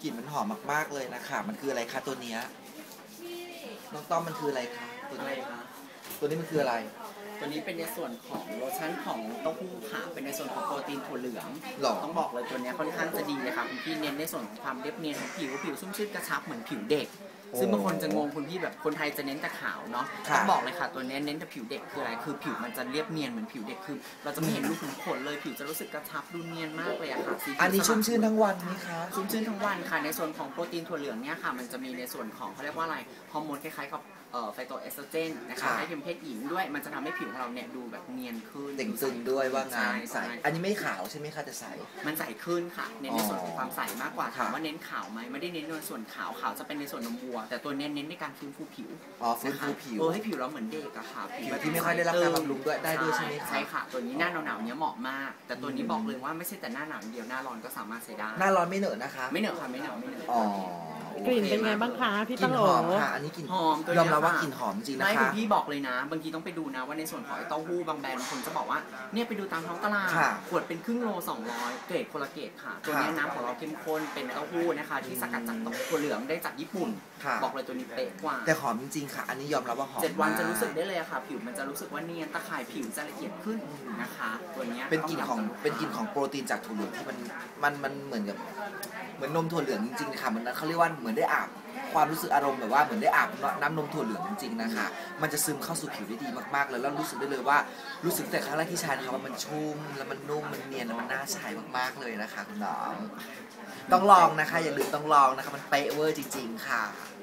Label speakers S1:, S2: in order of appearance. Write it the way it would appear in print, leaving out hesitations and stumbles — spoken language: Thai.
S1: กลิ่นมันหอมมากๆเลยนะคะมันคืออะไรคะตัวเนี้ยน้องต้อมมันคืออะไรคะตัวนี้ตัวนี้มันคืออะไร
S2: ตัวนี้เป็นในส่วนของโลชั่นของเต้าหู้ค่ะเป็นในส่วนของโปรตีนถั่วเหลืองต้องบอกเลยตัวนี้ค่อนข้างจะดีเลยค่ะคุณพี่เน้นในส่วนของความเรียบเนียนของผิวชุ่มชื่นกระชับเหมือนผิวเด็กซึ่งบางคนจะงงคุณพี่แบบคนไทยจะเน้นแต่ขาวเนาะต้องบอกเลยค่ะตัวนี้เน้นแต่ผิวเด็กคืออะไรคือผิวมันจะเรียบเนียนเหมือนผิวเด็กคือเราจะไม่เห็นรูขุมขนเลยผิวจะรู้สึกกระชับดูเนียนมากเลยอะค่ะ
S1: อันนี้ชุ่มชื่นทั้งวันไหมคะ
S2: ชุ่มชื่นทั้งวันค่ะในส่วนของโปรตีนถั่วเหลืองเนี่ยค่ะมันจะมีในส่วนของเขาเรียกว่าอะไรฮอร์โมนคล้ายๆกับไฟโตเอสโตรเจนนะคะให้เพศหญิงด้วยมันจะทำให้ผิวของเราเนี่ยดูแบบเนียนขึ้น
S1: เต่งตึงด้วยว่างานใสอันนี้ไม่ขาวใช่ไหมคะจะใส
S2: มันใสขึ้นค่ะเน้นในส่วนของความใสมากกว่าถามว่าเน้นขาวไหมไม่ได้เน้นในส่วนขาวจะเป็นในส่วนนมวัวแต่ตัวเน้นในการฟื้นฟูผิว
S1: ฟื้นฟูผิว
S2: ให้ผิวเราเหมือนเด็กอะค่ะ
S1: ผิวที่ไม่ค่อยได้รับการบำรุงด้วยได้ด้วยใช่ไหมคะ
S2: ใช่ค่ะตัวนี้หน้าหนาวๆเนี้ยเหมาะมากแต่ตัวนี้บอกเลยว่าไม่ใช่แต่หน้าหนาวเดียวหน้าร้อนก็สามารถใช้ได้
S1: หน้าร้อนไม่เหนอะนะคะ
S2: ไม่เหนอะค่ะไม่เหนอะ
S3: กลิ่นเป็นไงบ้างคะพี่ตั้งโหล
S1: หอมค่ะอันนี้กลิ่น
S2: หอม
S1: ยอมรับว่ากลิ่นหอมจริงนะคะ
S2: ไม่พี่บอกเลยนะบางทีต้องไปดูนะว่าในส่วนของเต้าหู้บางแบรนด์บางคนจะบอกว่าเนี่ยไปดูตามท้องตลาดขวดเป็นครึ่งโล200เกรดคนละเกรดค่ะตัวนี้น้ำของเราเข้มข้นเป็นเต้าหู้นะคะที่สกัดจากถั่วเหลืองได้จากญี่ปุ่นบอกเลยตัวนี้เป๊ะกว่า
S1: แต่หอมจริงๆค่ะอันนี้ยอมรับว่าหอม
S2: 7 วันจะรู้สึกได้เลยค่ะผิวมันจะรู้สึกว่าเนียนตะข่ายผิวจะละเอียดขึ้นนะคะตัวนี้
S1: เป็นกลิ่นของโปรตีนจากถั่วเหลืองที่มันเหมือนกับเหมือนนมถั่วเหลืองจริงๆค่ะมันเขาเรียกว่าเหมือนได้อาบความรู้สึกอารมณ์แบบว่าเหมือนได้อาบน้ำนมถั่วเหลืองจริงๆนะคะมันจะซึมเข้าสู่ผิวได้ดีมากๆเลยแล้วรู้สึกได้เลยว่ารู้สึกแต่ครั้งแรกที่ใช้นะคะว่ามันชุ่มแล้วมันนุ่มมันเนียนแล้วมันน่าใช้มากๆเลยนะคะคุณน้องต้องลองนะคะอย่าลืมต้องลองนะคะมันเป๊ะเวอร์จริงๆค่ะ